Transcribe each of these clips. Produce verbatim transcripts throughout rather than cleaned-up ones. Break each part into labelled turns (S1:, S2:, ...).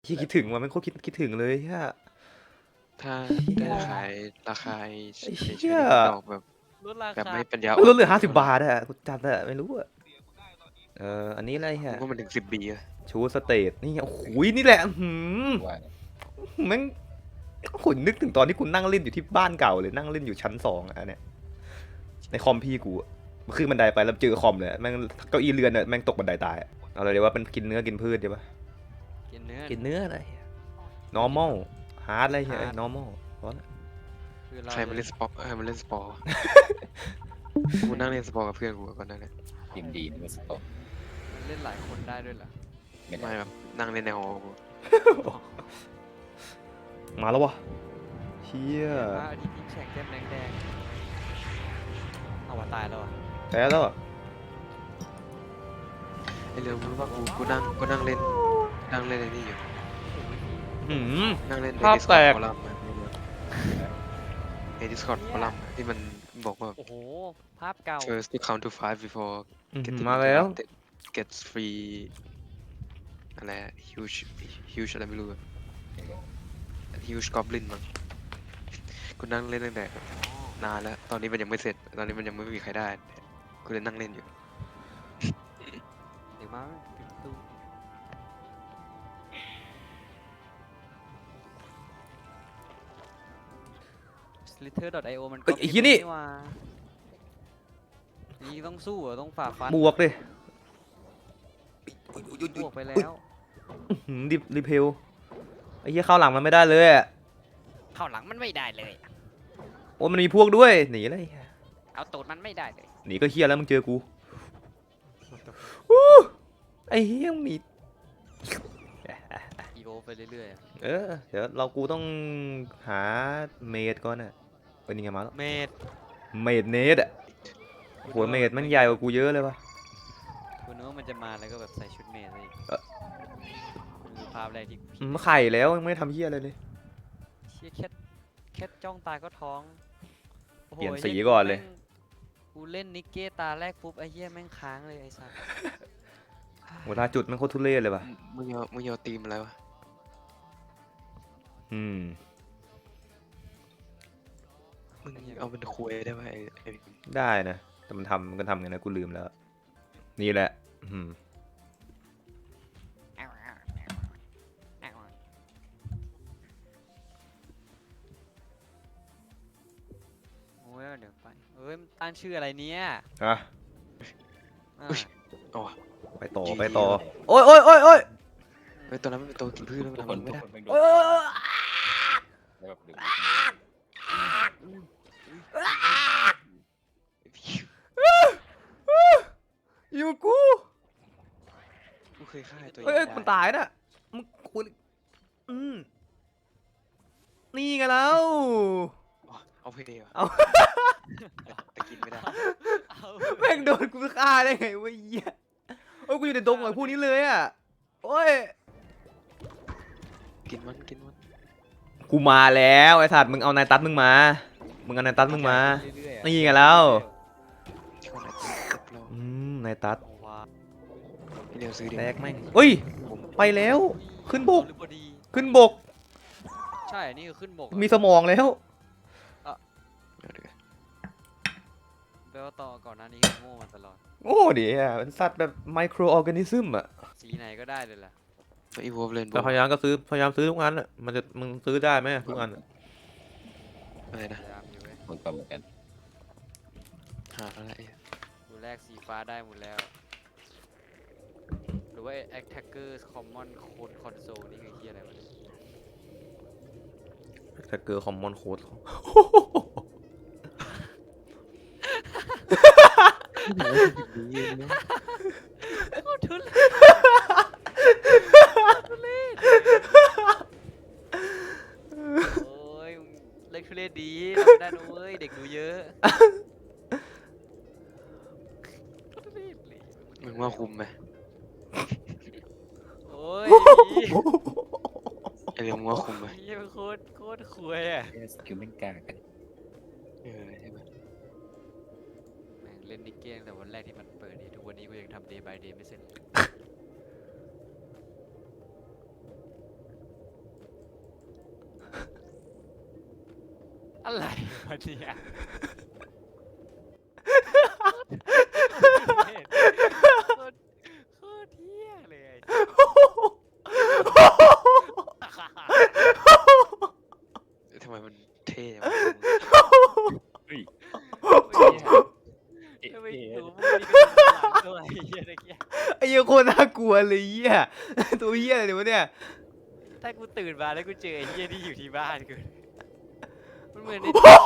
S1: ยี่คิดถึงว่ะมันโคตรคิดคิดถึงเลยฮะ
S2: ถ้าได้ขายราคาไอ้
S1: ไอ้
S2: ไอ้
S1: เหี้
S2: ใช้
S1: ย
S2: นี่มันดอกแบบ
S3: ลดรา
S2: แบบ
S3: คา
S2: ไม่ปัญญา
S1: มันลดเหลือ
S2: น
S1: ห้าสิบบาท
S2: เท่ไหร่
S1: อะกูจัดอะไม่รู้อะเอออันนี้อะไร
S2: มึ
S1: ฮะ
S2: งว่ามันถึงสิบบีอะ
S1: ชูสเตทนี่ไงโอ้โหนี่แหละหืม
S4: ว่าเนี่ย
S1: แม่งขนนึกถึงตอนที่คุณนั่งเล่นอยู่ที่บ้านเก่าเลยนั่งเล่นอยู่ชั้นสองอะเนี่ยในคอมพี่กูอะขึ้นบันไดไปแล้วเจอคอมเลยแม่งเก้าอี้เรือนเนี่ยแม่งตกบันไดตายอะเอาเลยเดี๋ยวว่าเป็นกินเนื้อกินพืชใช่ปะ
S3: กินเนื้อ
S1: กินเนื้ออะไร normal hard อะไรเงี้ย
S3: hard
S1: normal เพราะ
S3: คือเรา
S2: ใครมาเล่นสปอร์ตใครมาเล่นสปอร์ต กูนั่งเล่นสปอร์ตกับเพื่อนกูก่อนนั่นแหละ
S4: ทีมดีนี่มันสตอ
S3: มันเล่นหลายคนได้ด้วยเหรอ
S4: ไม่
S2: ไม่
S4: ได้
S2: แบบนั่งเล่นในหอกู
S1: มาแล้ววะเชี่ย
S3: พระอาทิตย์ยิ่งแฉกแก้มแดงแดงๆเอาว่าตายแล้วอ่ะ
S1: แพ้แล้วอะ
S2: ไอ้เรื่องมึงรู้ว่ากูกูนั่งกูนั่งเล่นนั่งเล่นไอ้นี่อยู่
S1: หืม
S2: นั่งเล่นใน
S1: ภาพ
S2: ดิสค
S1: แต
S2: อร์ด
S1: ก
S2: ฟอรัมในดิสคอร์ดฟอรัมที่มันบอกว่า
S3: โอ้โหภาพเก่า
S2: first to count to five before
S1: อื้อหือ
S2: getting
S1: มาแล้ว
S2: interrupted gets free อะไรอะ huge huge อะไรไม่รู้อะ huge goblin มั้งกูนั่งเล่นตั้งแต่นานแล้ว ตอนนี้มันยังไม่เสร็จ ตอนนี้มันยังไม่มีใครได้กูเลยนั่งเล่นอยู่
S3: เดี๋ยวมาปิดประตู slither ดอท ไอ โอ มัน
S1: เอ้ยไอ้เหี้ยนี่
S3: หว่านี่ต้องสู้เหรอต้องฝ่าฟัน
S1: บวกดิ
S3: บวกไปแล้ว
S1: หืมดิรีเพลไอ้เหี้ยเข้าหลังมันไม่ได้เลยอะ
S3: เข้าหลังมันไม่ได้เลย
S1: โอ้มันมีพวกด้วยหนีเลย
S3: เอาตูดมันไม่ได้เลย
S1: หนีก็เฮี้ยแล้วมึงเจอกูอู้ไอ้เฮี้ยมึงหนี
S3: อีโวไปเรื่อยๆอะ
S1: เออเดี๋ยวเรากูต้องหาเมดก่อนน่ะเป็นยังไงมาแล้ว
S3: เมด
S1: เมดเนสอะโหเมดมันใหญ่กว่ากูเยอะเลยวะ
S3: คุณนึกว่ามันจะมาแล้วก็แบบใส่ชุดเมดเลย
S1: เอ่อ
S3: คือภาพแรกที่กูคิ
S1: อื
S3: ด
S1: มไข่แล้วยังไม่ได้ทำเฮี้ยอะไรเลย
S3: เชี่ยแค่แค่จ้องตาก็ท้องโอ้โห
S1: เปลี่ยน
S3: ไอ้
S1: สี
S3: หี้
S1: ก่อนเลย
S3: แม่งกูเล่นนิกเก้ตาแรกปุ๊บไอ้เหี้ยแม่งค้างเลยไอ้สัส
S1: เวลาจุดมันโคตรทุเรศเลยวะ
S2: มึงเอามึงเอาตีมอะไรวะ
S1: อืม
S2: มึงเอาเป็นคุยได้ไหมไอ้ไอ้
S1: ได้นะแต่มันทำมันก็ทำไงนะกูลืมแล้ว นี่แหละอืม
S3: โอ้ยเดี๋ยวไปเอ้ยมันตั้งชื่ออะไรเนี่ย
S1: อ่ะ
S3: อ่า
S2: เอาวะ
S1: ไปต่อไปต่อโอ้ยโอ้ยโอ้ยโอ้ย
S2: เฮ้ยตัวนั้นมันเป็นตัวกินพืชแล้วมัน
S4: ทุก
S2: ทำ
S4: ค
S2: มัน น
S4: ทุ
S2: ไม่
S4: ก
S2: ได้
S4: คนเป็นโด
S1: โอ้
S4: น
S1: ยโอ้ย
S4: แล้วแบบดึง
S1: อยู่กู
S2: กูเคยฆ่าไอ้ตัว
S1: เฮ้ย
S2: ใหญ่
S1: มันตายน่ะมึงคุณอืมนี่ไงแล้ว
S2: อ๋อเอาเพลย์เหรอ
S1: เอา
S2: แต่กินไม่ได้
S3: เอา
S1: แม่งโดนกูฆ่าได้ไงวะเหี้ยโอ้ยกูอยู่ในดงกับพวกนี้เลยอ่ะโอ้ย
S2: กินมันกินมัน
S1: กูมาแล้วไอ้สัตว์มึงเอานายตัดมึงมามึงเอานายตัดมึงมา
S3: เรื่อยๆอะ
S1: นี่ไงแล้ว
S2: ช่วงไหนกินเรา
S1: อืมนายตัด
S3: โอ้ว้า
S2: พี่เดียวซื้อดิ
S1: แตกแม่งเฮ้ย
S2: ผม
S1: ไปแล้ว ขึ้นบก
S3: หรือพอดี
S1: ขึ้นบก
S3: ใช่นี่คือขึ้นบก
S1: มีสมองแล้ว
S2: เดี๋ยวเดี๋ยว
S3: แปลว่าต่อก่อนหน้านี้โง่มาตลอด
S1: โอ้เดี๋ยวเป็นสัตว์แบบไมโครออร์แกนิซึมอ่ะ
S3: สีไหนก็ได้เลยล่ะ
S2: ตัวอีโวฟเลน
S1: แต่พยายามก็ซื้อพยายามซื้อทุกอันอ่ะมันจะมึงซื้อได้ไหมทุกอันอะ
S2: อะไรนะ
S3: พยายามอยู่เว้ย
S4: มันก็เหมือนกัน
S2: หาอะไร
S3: ดูแรกสีฟ้าได้หมดแล้ว หรือว่า Attacker Common Code Console นี่คือเฮียอะไรวะเนี่ย
S1: แท็กเกอร์คอมมอนโค้ด
S2: ดีนะ
S3: โคตรทุเรศทุเรศโอ้ยมึงเล็กทุเรศดีทำได้นะเว้ยเด็กดูเยอะโคตรทุเรศเลย
S2: มึงว่าคุมไหม
S3: โอ้ย
S2: ไอ้เรื่องมึงว่าคุมไหม
S3: เฮียมันโคตรโคตรคุยอ่ะ
S4: เอสคิวแม่งกล้ากัน
S2: เออใช่ไหม
S3: แม่งเล่นนิกเก้ตั้งแต่วันแรกที่มันเปิดนี่ทุกวันนี้กูยังทำ day by day ไม่เสร็จเลยอะไรวะเนี่ยโคตรโคตรเที่ยเลย
S2: ทำไมมันเท่จังวะ
S4: เฮ้ย
S3: ทำไมอยู่มึงมีกระสุนหลังด้วยไอ้เหี้ยตะเกีย
S1: ไอ้เหี้ยโคตรน่ากลัวเลยเหี้ยตัวเหี้ยอะไรวะเนี่ย
S3: ถ้ากูตื่นมาแล้วกูเจอไอ้เหี้ยที่อยู่ที่บ้านกูมันเหมือนใน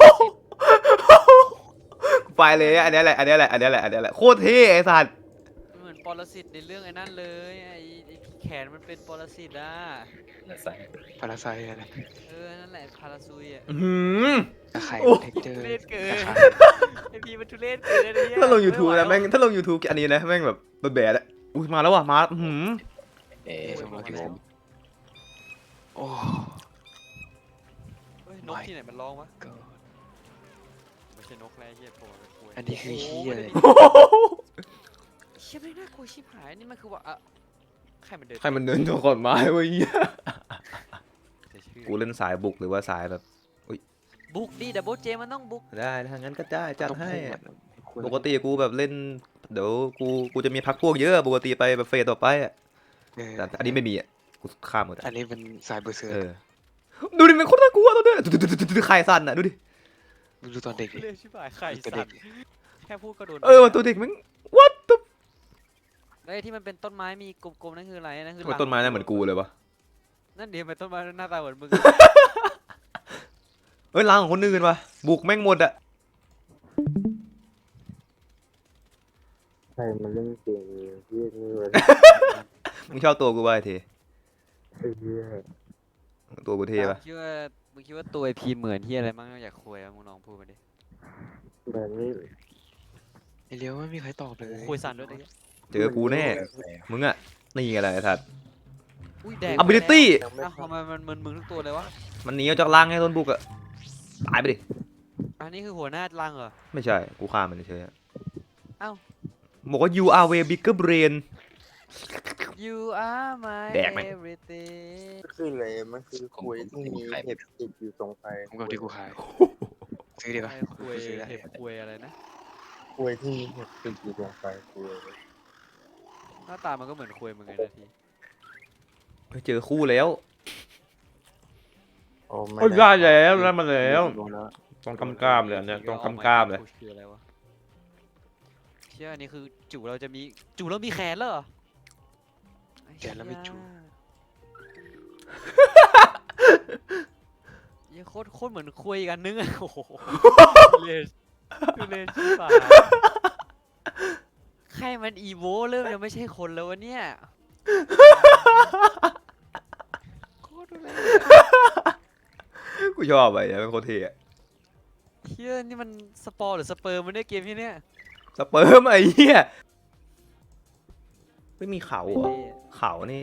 S1: ไปเลยอันนี้แหละอันนี้แหละอันนี้แหละอันนี้แหละโคตรเท่ไอ้สัตว์
S3: มันเหมือนปรสิตในเรื่องไอ้นั่นเลยไอ้ไอ้ที่แขนมันเป็นปรสิตอ่ะ
S4: แล้วใส่
S2: พาราไซอะไร
S3: เออนั่นแหละพาราซุยอ่ะ
S1: อื้อหือ
S2: ตะไคร่
S1: โอ้
S2: เทคเจอร์
S3: ทุเรศเกิน
S2: ตะไคร่
S3: ไอ้พีมันทุเรศเกินไอ้เหี้ย
S1: ถ้าลง YouTube
S3: ไไหว
S1: นะแม่งถ้าลง YouTube อันนี้นะแม่งแบบแบดๆอะอุ้ยมาแล้วว่ะมาอื้อหือ
S4: เอ๊ะ
S2: สองร้อยกิโลโอ้
S3: เฮ้ยนกที่ไหนมันร้องวะ
S2: ก็
S3: ไม่ใช่นกแล้วไอ้เหี้ยโผล่มาเป็นกล้วย
S2: อันนี้คือเหี้ยเลย
S3: เชี่ยไม่น่ากลัวชิบหายนี่มันคือว่าอะใครมันเดิน
S1: ใครมันเดินตัวขอนไม้วะเหี้ย
S3: จะชื่อ
S1: กูเล่นสายบุกหรือว่าสายแบบ
S3: บุกดิดับเบิลเจมันต้องบุก
S1: ได้ถ้างั้นก็ได้จัดให้
S2: ต้องพุ่งอะ
S1: ปกติกูแบบเล่นเดี๋ยวกูกูจะมีพักพวกเยอะปกติไปแบบเฟสต่อไปอ่ะ
S2: เออ
S1: แต่อันนี้ไม่มีอ่ะกูข้ามหมด
S2: อั
S1: อะ
S2: นนี้เป็นสายเบอร์เซอร์
S1: เออดูดิมันโคตรน่ากลัวตอนเนี้ยดูๆๆๆๆใครสั่นอ่ะดูดิ
S2: มึงดูตอนเด็กดิ
S3: เรียกชิบหายไข่
S2: ตัว
S3: สั
S2: เด็
S3: ต
S2: ก
S3: ว์แค่พูดก็โดน
S1: เออตัวเด็กมัน what the
S3: แล้วไอ้ที่มันเป็นต้นไม้มีกลมๆนั่นคืออะไรนั่นคือ
S1: ทำไมต้นไม้น่าเหมือนกูเลยวะ
S3: นั่นเดียวเป็นต้นไม้หน้าตาเหมือนมึง
S1: เอ้ยล้างของคนอื่นวะบุกแม่งหมดอ่ะ
S5: ใครมันเล่นเกมเยี่ยนี่เลย
S1: มึงชอบตัวกูป่ะไอ้เท
S5: ไอ้เหี้ย
S1: ตัวกูเทป่ะ
S3: คิดว่ามึงคิดว่าตัวไอพีเหมือนที่อะไรมั้งอยากคุยอะมึงลองพูดมาดิ
S5: แบบนี้
S2: ไอเลี้ยวไม่มีใครตอบเลย
S3: คุยสั่นด้วยตะกี้
S1: เจอกูแน่มึงอ่ะนี่ไงล่ะไอ้สัตว์
S3: อุ้ยแดง
S1: ability
S5: ยังไม่
S3: อ้าวทำไมมันมึนมึงทุกตัวเลยวะ
S1: มันหนีออกจากล่างให้โดนบุกอ่ะตายไปดิ
S3: อันนี้คือหัวหน้ารังเหรอ
S1: ไม่ใช่กูฆ่ามันเฉยๆอะ
S3: เอ้า
S1: บอกว่า you are way bigger brain
S3: You are my
S1: แดกไหม
S3: everything
S5: ก็คืออะไรมันคือคุยที่มีเห็บติดอยู่ตรงไป
S2: ผมกับที่กูขายซื้อดีกว่า
S3: ไอ้คุย
S2: ซื้อได้
S3: เห็บคุยอะไรนะ
S5: คุยที่มีเห็บติดอยู่ตรงไปคุย
S3: หน้าตามันก็เหมือนคุยเหมือนกันนะที
S1: ไปเจอคู่แล้ว
S5: โอ้ไม่
S1: โอ้ยได้แล้วได้มาแล้ว
S5: รู้แล้ว
S1: ต้องกำกามเลยอันเนี้ยต้องกำกามเลย
S3: คืออะไรวะเชื่ออันนี้คือจู่เราจะมีจู่เรามีแขนแล้วเหรอ
S2: แกแล้วไม่จู
S3: เหี้ยังโคตรโคตรเหมือนคุยกันนึงอะโอ้โหเลนเลนชิบหายใครมันอีโวเริ่มจะไม่ใช่คนแล้ววะเนี่ยโคตรทุเรศ
S1: กูชอบไปเนี่ยเป็นโคตรเท่อะ
S3: เฮียนี่มันสปอร์หรือสเปิร์มมันได้เกมที่เนี้ย
S1: สเปิร์มไอ้เหี้ยไม่มีเขาเหรอเขานี่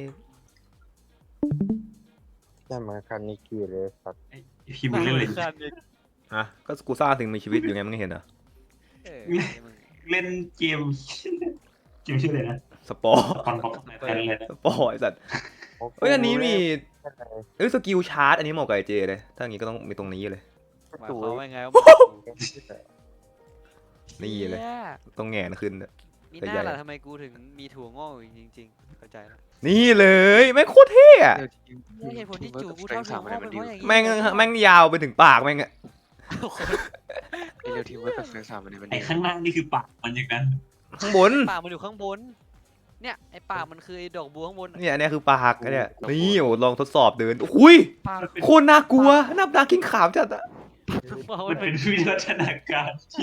S5: แต่มาคันนี้กี่เลยสัตว์
S6: พี่มึงเล่นเลย
S3: คันอีก
S1: ฮะก็กูสร้างสิ่งมีชีวิตอยู่ไงมึงเห็นเหรอ
S3: เออมึง
S6: เล่นเกมเกมชื่ออะไรนะ
S1: สปอร์
S6: คอนบ็อกซ์แทนเลยนะ
S1: สปอร์ไอ้สัตว์เอ้ยอันนี้มีเอ้ยสกิลชาร์จอันนี้เหมาะกับไอเจเลยถ้าอย่างงี้ก็ต้องมีตรงนี้เลย
S3: หมายความว่าไงวะ
S1: นี่เลย
S3: ชี่
S1: ต้องแหงนขึ้นอะ
S3: มี
S1: แต่
S3: ห
S1: ใหญ่
S3: น้าล่ะทำไมกูถึงมีถั่วงอกอยู่จริงๆเข้าใจแล้ว
S1: นี่เลยแม่งโคตรเท่อะ
S3: นี่เหตุผลที่จู่กูชอบถั่วงอกเป็นเพราะอย่างงี้
S1: แม่งแม่งยาวไปถึงปากแม่งอะ
S2: ไอเลี้ยวทีมเวิร์กกับเฟรนสามมันเนี่ยมัน
S6: ไอ้
S2: ดี
S6: ข้างล่างนี่คือปากมันอย่างนั้น
S1: ข้างบน
S3: ปากมันอยู่ข้างบน เนี่ยไอ้ปากมันคือไอ้ดอกบัวข้างบน
S1: เนี่ยอันเนี้ยคือปากอันเนี้ยนี่โอ้ลองทดสอบเดินอุ้ย
S3: ปาก
S1: โคตรน่ากลัวนับดากิ้งขาวจัดอะ
S6: มันเป็นวิวัฒนาการที่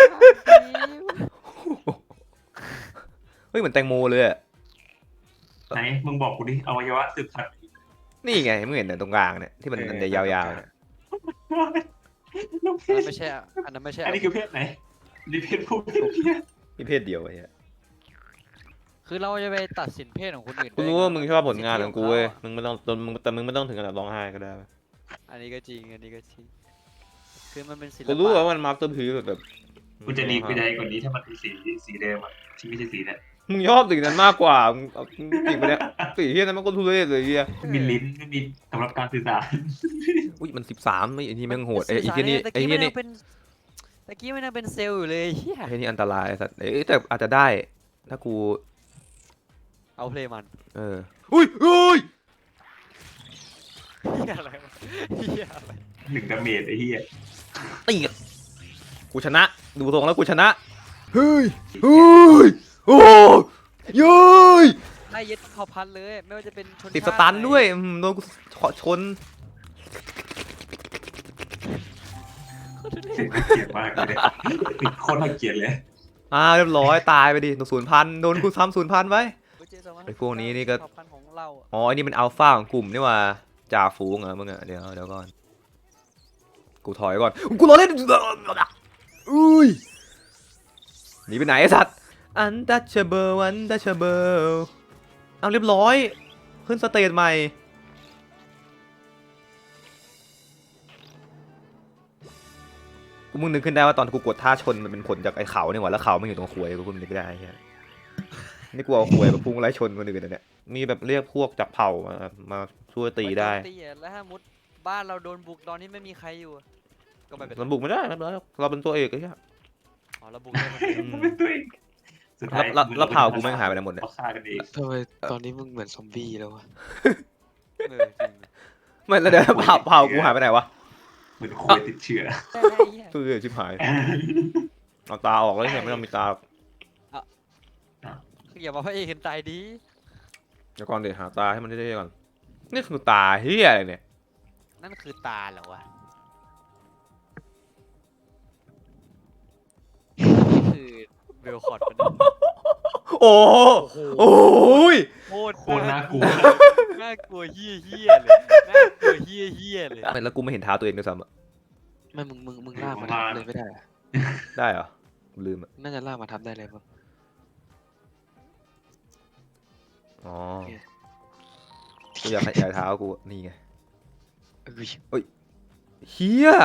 S1: เฮ้ยเหมือนแตงโมเลยอะ
S6: ไหนมึงบอกกูดิอวัยวะสืบพันธุ์
S1: นี่ไงมึงเห็นเนี่ยตรงกลางเนี่ยที่มันมันจะยาวๆเนี่ย
S6: น้องเพ
S3: อัน
S6: ศ
S3: นั้นไม่ใช่อะอันนั้นไม่ใช่
S6: อันนี้คือเพศไหนนี่เพศผู้เพศเมีย
S1: มีเพศเดียวไอ้เหี้ย
S3: คือเราจะไปตัดสินเพศของคนอื่น
S1: กู
S3: ได้
S1: รู้ว่ามึงชอบผลงานของกูเว้ย
S3: สิทธิ
S1: มึงไม่ต้องมึงแต่มึงไม่ต้องถึงขนาดร้องไห้ก็ได้
S3: ของเขาอะอันนี้ก็จริงอันนี้ก็จริงคือมันเป็นศิล
S1: กูรู้
S3: ปะ
S1: ว่ามันมาสเตอร์พีซแบบ
S6: กูจะดีกูใจกว่านี้ถ้ามันเป็นสีสีเดิมอ่ะที่ไม่ใช่สีเนี่ย
S1: มึงชอบสิ่งนั้นมากกว่ามึงเอาสิ่งไปเนี้ยสิ่งที่นั้นมันก็ทุเรศเลยเฮีย
S6: ไม่มีลิ้นไม่มีสำหรับการสื่อสาร
S1: อุ้ยมันสิบสามไอ้นี่แม่งโหดไอ้ไอ้ที่นี่
S3: ตะ
S1: ไอ้
S3: กี้
S1: ที่
S3: มันยั
S1: นี่
S3: งเป็นตะกี้มันยังเป็นเซลล์อยู่เลยเฮีย
S1: ไอ้นี่อันตรายไอ้สัตว์เอ้ยแต่อาจจะได้ถ้ากู
S3: เอาเพลย์มัน
S1: เอออุ้ยอุ้ย
S3: เฮียอะไรวะเฮียอะไร
S6: หนึ่งดาเมจไอ้เหี้ย
S1: ตีกันกูชนะดูทรงแล้วกูชนะเฮ้ยเฮ้ยโอ้ยเย้ย
S3: ไล่ยึดเผ่าพันธุ์เลย ไม่ว่าจะเป็นชน
S1: ติดส
S3: ชา
S1: ตัน
S3: ไห
S1: ด้วยอืมโดนกูขอชน
S6: เสียงน่าเกลียดมากเลยติดโคตรน่าเกลียดเลย
S1: อ่าเรียบร้อยตายไปดิศูนย์พันโดนกูซ้ำศูนย์พันไว้
S3: เจสองพั
S1: ไอ้พวกนี้นี่ก็
S3: เผ่าพันธุ์ของเราอะ
S1: อ๋อไอ้นี่มันอัลฟาของกลุ่มนี่ว่าจ่าฝูงเหรอมึงอะเดี๋ยวเดี๋ยวก่อนกูถอยก่อนกูรอเล่นอุ้ยหนีไปไหนไอ้สัตว์ untouchable untouchable เอาเรียบร้อยขึ้นสเตจใหม่กูมึงนึกขึ้นได้ว่าตอนกูกดท่าชนมันเป็นผลจากไอ้เขาเนี่ยว่ะแล้วเขามันอยู่ตรงขวยกูกูนึกได้ไอ้เหี้ยนี่กูเอาขวยแบบพุ่งไล่ชนคนอื่นนะเนี่ยมีแบบเรียกพวกจากเผ่ามามาช่วยตีได้
S3: ม่โนตีอะแล้วถ้ามุดบ้านเราโดนบุกตอนนี้ไม่มีใครอยู่อะก็ไม่เป็นไร
S1: เราบุกไม่ได้ไม่เป็นไรเราเป็นตัวเอกไอ้เหี้ย
S3: อ๋อเราบุกได้คนเดียว
S1: อืม
S6: เป็นตัวเองสุดท้าย
S1: แล้วแล้วแล้วเผ่ากูแม่งหายไปไหนหมดเนี่ย
S6: เขาฆ่ากันเอง
S2: ทำไมตอนนี้มึงเหมือนซอมบี้แล้ววะ
S3: เออจริง
S1: ไม่แล้วเดี๋ยวเผ่าเผ่ากูหายไปไหนวะ
S6: เหมือนโคยติดเชื้อ
S3: ใช่ไอ้เหี้ย
S1: ตัวเอกชิบหายเอาตาออกแล้วเนี่ยไม่ต้องมีตา
S3: คืออย่ามาพระเอกเห็นตายดี
S1: เดี๋ยวก่อนเดี๋ยวหาตาให้มันได้ๆก่อนนี่คือตาเฮียอะไรเนี่ย
S3: นั่นคือตาเหรอวะนี่คือเบลคอร์ดเป็น
S1: โอ้โหโอ้ย
S3: โคตร
S6: โคตรน่ากลัว
S3: น่ากลัวเฮี้ยเฮี้ยเลยน่ากลัวเฮี้ยเฮี้ยเลย
S1: แล้วกูไม่เห็นเท้าตัวเองด้วยซ้ำอะ
S2: ไม่มึงมึงมึงลากมาทับเลยไม่ได้อะ
S1: ได้เหรอลืมอะ
S2: น่าจะลากมาทับได้เลยมั้ง
S1: อ๋อ
S2: โอเค
S1: กูอยากให้ใช้เท้ากูอะนี่ไง
S2: เอ้ย
S1: เฮีย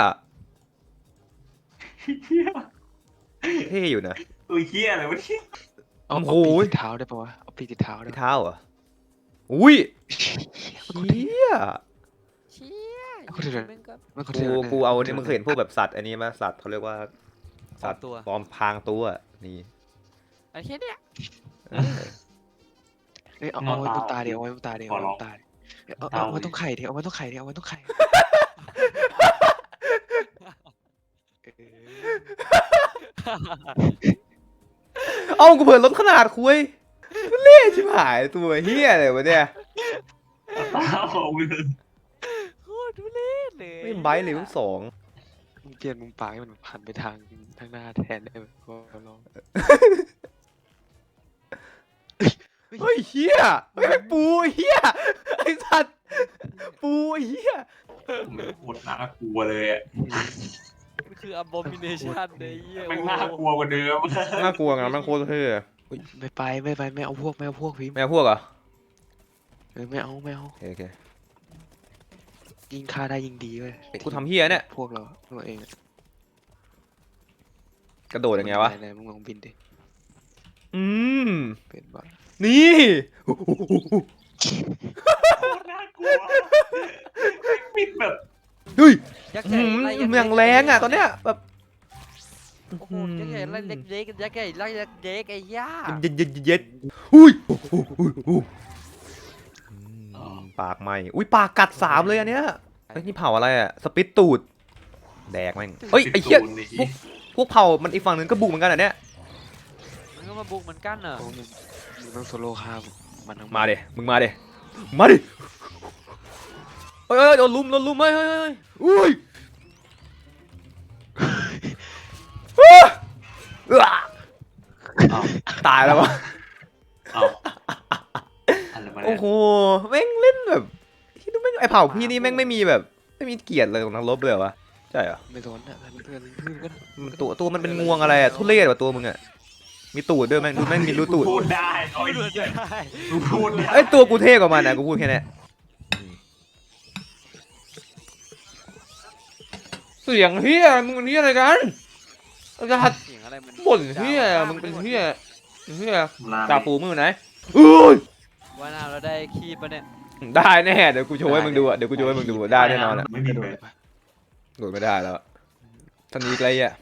S6: เหี้ย
S1: เท่อยู่นะ
S6: ตัวเหี้ยอะไรวะเนี่ย
S2: เอา
S1: โอ้
S2: เอา
S1: โห
S2: ปีกติดเท้าได้ปะวะเอาปีกติดเท้าได้
S1: ที่
S2: ปะ
S1: เท้าเหรออุ้ยเฮีย
S3: เชี่ย
S2: คนเดียว
S3: มันก็
S2: ไม่คน
S1: กู
S2: เดียว
S1: กูเอาเนี่ยมึงเคยเห็นพวกแบบสัตว์อันนี้มาสัตว์เขาเรียกว่าสัตว์
S3: ตัว
S1: ปลอมพรางตัวนี่
S3: ไอ้เชี่ยเนี่ย
S1: เออ
S2: เอ้ยเอาเอาไว้บนตาเดียวเอาไว้บนตาเดียวเอาไว้บนตาเดียวเอาเอาเอาไว้ตรงไข่เดียวเอาไว้ตรงไข่เดียวเอาไว้ตรงไข่เออ
S1: เอ้ากูเผื่อลดขนาดคุยเล่ชิบหายตัวเฮียอะไรวะเนี่ย
S6: ตาออกมือ
S3: โคตรทุเรศเลย
S1: ไม่ไบท์เลยทั้งสอง
S2: มึงเปลี่ยนมุมปากให้มันหันไปทางทางหน้าแทนได้ไหมก็ลอง
S1: เฮ้ยเฮียปูเฮียไอสัตว์ปูเฮีย
S6: โคตรน่ากลัวเลยอ่ะ
S3: มันคือ abomination เลยเหี้ย
S6: แม่งน่ากลัวกว่าเดิม
S1: น่ากลัวงั้นมันโคตรเท่อะ
S2: ไม่ไปไม่ไปไม่เอาพวกไม่เอาพวกพี่
S1: ไม่เอาพวกเหรอ
S2: เออไม่เอาไม่เอา
S1: โอเคโอเค
S2: ยิงฆ่าได้ยิงดีเว้ย
S1: กูทำเฮียเนี่ย
S2: พวกเราเราเองอะ
S1: กระโดดยังไงวะ
S2: หนๆมึงลองบินดิ
S1: อืม
S2: เป็นบ้า
S1: นี่
S6: โคตรน่ากลัวบินแบบ
S1: เฮ้ย
S3: ยักษ์
S1: อื
S3: ใหญ่
S1: ม
S3: ไล่ยักษ์
S1: อย่างแรงอ่ะตอนเนี้ยแบบ
S3: โอ้โหยักษ์ใหญ่ไล่เล็กเล็กยักษ์ใหญ่ไล่เล็กเล็กไอ้ย่า
S1: เย็ดเย็ดเย็ดเย็ดอุ้ยอืมปากไหมอุ้ยปากกัดสามเลยอันเนี้ยไอ้ยนี่เผาอะไรอ่ะสปิตตูดแดกแม่งเฮ้ยไอ้เหี้ย
S6: ตูนนี่
S1: พวกพวกเผามันอีกฝั่งหนึ่งก็บุกเหมือนกันอ่ะเนี่ย
S3: มันก็มาบุกเหมือนกันเหรอ
S2: โอ้มึงมึงต้องโซโล่ฆ่ามันทั้งหด
S1: มาเดมึงมาเดมาดิเฮ้ยเฮ้ยโดนลุมโดนลุมเฮ้ยเฮ้ยเฮ้ยอุ้ยอ้า
S6: อ้าว
S1: ตายแล้ววะ
S6: อ้าวอะไรมา
S1: โอ้
S6: เนี่ย
S1: โหแม่งเล่นแบบที่ดูแม่งไอเผ่าพี่นี่แม่งไม่มีแบบไม่มีเกียรติเลยของนักรบเลยเหรอวะใช่เหรอ
S2: ไม่โดนอ่ะเพื่อนเพื่อนกัน
S1: มันตัวตัวมันเป็นงวงอะไรอะทุเรศว่ะตัวมึงอะมีตูดด้วยแม่งดูแม่งมีรูตูด
S6: พูดได้โอ้ย
S3: ไม่รู้จะได้
S6: มึงพูดได้
S1: ไอยตัวกูเท่กว่ามันนะกูพูดแค่เนี้ยเสียงเฮียมึงเป็นเฮียอะไรกันจะหัด
S3: เสียงอะไรมัน
S1: บ่นเฮียมึงเป็นเฮียเฮีย
S6: ลา
S1: จ่าฝูมือไหนอุ้ย
S3: ว่านาเราได้คีบปะเนี่ย
S1: ได้แน่เดี๋ยวกูโชว์ให้มึงดูอ่ะเดี๋ยวกูโชว์ให้มึงดูอะได้แน่นอนอ่ะ
S6: ไม่มีเลย
S1: โดดไม่ได้แล้วท่านนี้ไกลอ่ะ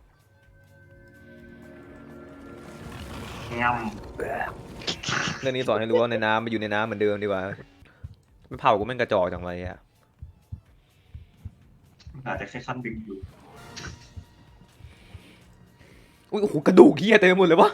S6: ง
S1: เรื่องนี้สอนให้รู้ว่าในน้ำมันอยู่ในน้ำเหมือนเดิมดีกว่าไม่เผากูแม่งกระจอกจังไรอ่ะ
S6: ำอาจจะแค่ขั้นดึงอยู่
S1: อุ้ยโอ้โหกระดูกเฮียเต็มไปหมดเลยวะ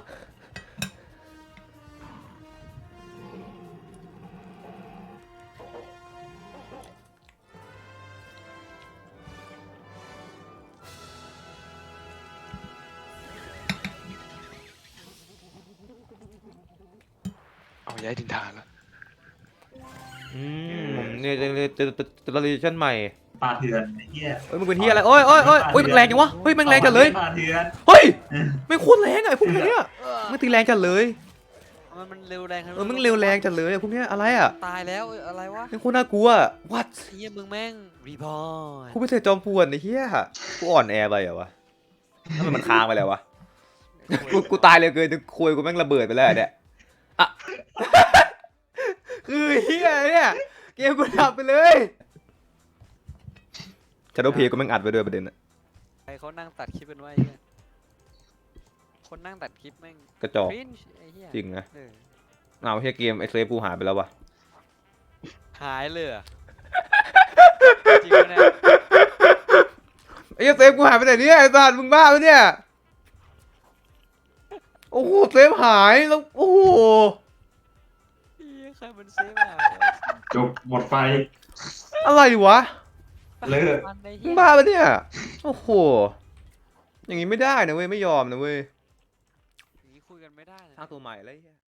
S2: เอาย้ายดินทานแล้ว
S1: อืมเนี่ยจะจะจะจะเรชั่นใหม่
S6: ปลาเถื่อนไอ้เหี้ย
S1: เฮ้ยมึงเป็นเฮียอะไรโอ้ยโอ้ยโอ้ยโอ้ยแม่งแรงจังวะเฮ้ยแม่งแรงจัดเลย
S6: ปลาเถื่อน
S1: เฮ้ยแม่งโคตรแรงอะไอ้พวกเนี้ยมันตีแรงจัดเลย
S3: มันมันเร็วแรงขนาด
S1: เออมันเร็วแรงจัดเลยไอ้พวกเนี้ยอะไรอ่ะ
S3: ตายแล้วเอ้ยอะไรวะ
S1: แม่งโคตรน่ากลัว what
S3: ไอ้เหี้ยมึงแม่งรีพอร์ต
S1: กูไม่ใช่จอมปวนไอ้เฮียกูอ่อนแอไปเหรอวะทำไมมันค้างไปแล้ววะกูกูตายเลยเกินจนคุยกูแม่งระเบิดไปแล้วเนี่ยอะ คือเฮียเนี่ยเกมกูดับไปเลยชาโดว์เพย์กูแม่งอัดไปด้วยประเด็นอะ
S3: ใครเขานั่งตัดคลิปเป็นว่าไอ้เหี้ยคนนั่งตัดคลิปแม่ง
S1: กระจอก
S3: ครินช์ไอ้เหี้ย
S1: จริงนะ
S3: เออ
S1: เอาเฮียเกมไอเซฟกูหายไปแล้ววะ
S3: หายเลยเหรอจริงปะเนี่ย
S1: ไอ้เหี้ยเซฟกูหายไปไหนเนี่ยไอ้สัตว์มึงบ้าปะเนี่ยโอ้โหเซฟหายแล้วโอ้โห
S3: เหี้ยใครมันเซฟอ่ะ
S6: จบหมดไฟ
S1: อะไรวะ
S6: เลิก
S3: มันไอ้
S1: มึ
S3: เหี้
S1: ง
S3: ย
S1: บ้าปะเนี่ยโอ้โหอย่างงี้ไม่ได้นะเว้ยไม่ยอมนะเว้ย
S3: อย่างนี้คุยกันไม่ได้นะ
S1: สร้างตัวใหม่แล้วไอ้เหี้ย